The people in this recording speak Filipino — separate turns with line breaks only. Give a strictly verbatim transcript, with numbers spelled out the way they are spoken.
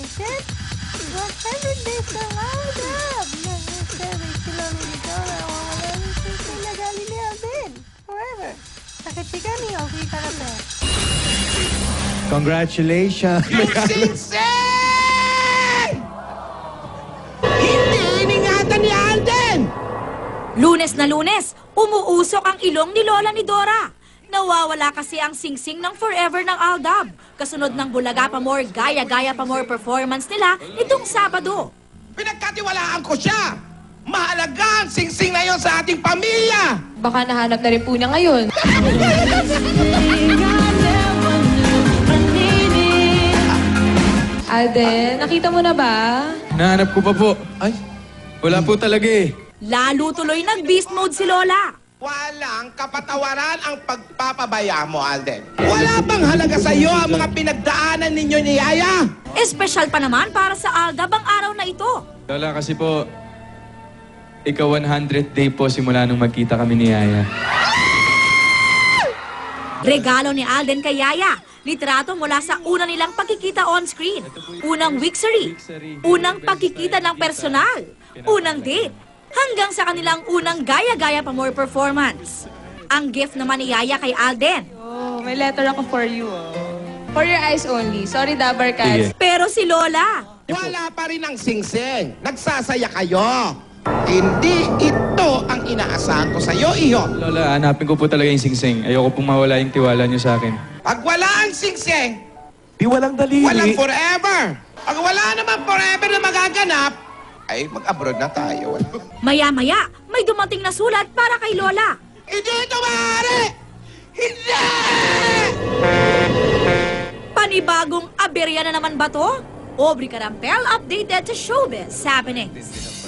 congratulations! one hundred days ng Aldab! Nag-survey si Lolo ni Dora. Wawala rin siya sa ilagali ni Alden. Forever. Sakit si kami, okay ka na ba?
Congratulations!
Yung singsing! Hindi iningatan ni Alden!
Lunes na Lunes, umuusok ang ilong ni Lola ni Dora. Nawawala kasi ang singsing ng Forever ng Aldab. Kasunod ng Bulaga pa More, Gaya-Gaya pa More performance nila itong Sabado.
Pinagkatiwalaan ko siya! Mahalaga ang singsing na yon sa ating pamilya!
Baka nahanap na rin po niya ngayon. Alden, nakita mo na ba?
Nahanap ko pa po. Ay, wala po talaga eh.
Lalo tuloy nag-beast mode si Lola.
Walang kapatawaran ang pagpapabaya mo, Alden. Wala bang halaga sa iyo ang mga pinagdaanan ninyo ni Yaya?
Espesyal pa naman para sa Aldab ang araw na ito.
Lola, kasi po, ika one hundredth day po simula nung magkita kami ni Yaya.
Regalo ni Alden kay Yaya, litrato mula sa una nilang pagkikita on-screen. Unang wixery, unang pagkikita ng personal, unang date, hanggang sa kanilang unang Gaya-Gaya pa More performance. Ang gift naman ni Yaya kay Alden.
Oh, may letter ako for you. Oh. For your eyes only. Sorry, Dabar Cats.
Sige.
Pero si Lola,
Wala pa rin ang singsing. Nagsasaya kayo. Hindi ito ang inaasahan ko sa iyo, iho.
Lola, hanapin ko po talaga yung singsing. Ayoko pong mawala yung tiwala niyo sa akin.
Pag wala ang singsing,
Di walang daliri.
walang forever. Pag wala naman forever na magaganap, ay mag-abroad na tayo.
maya-maya, may dumating na sulat para kay Lola.
Hindi ito maaari! Hindi!
Panibagong aberya na naman ba to? Aubrey Carampel updated sa Showbiz Happenings.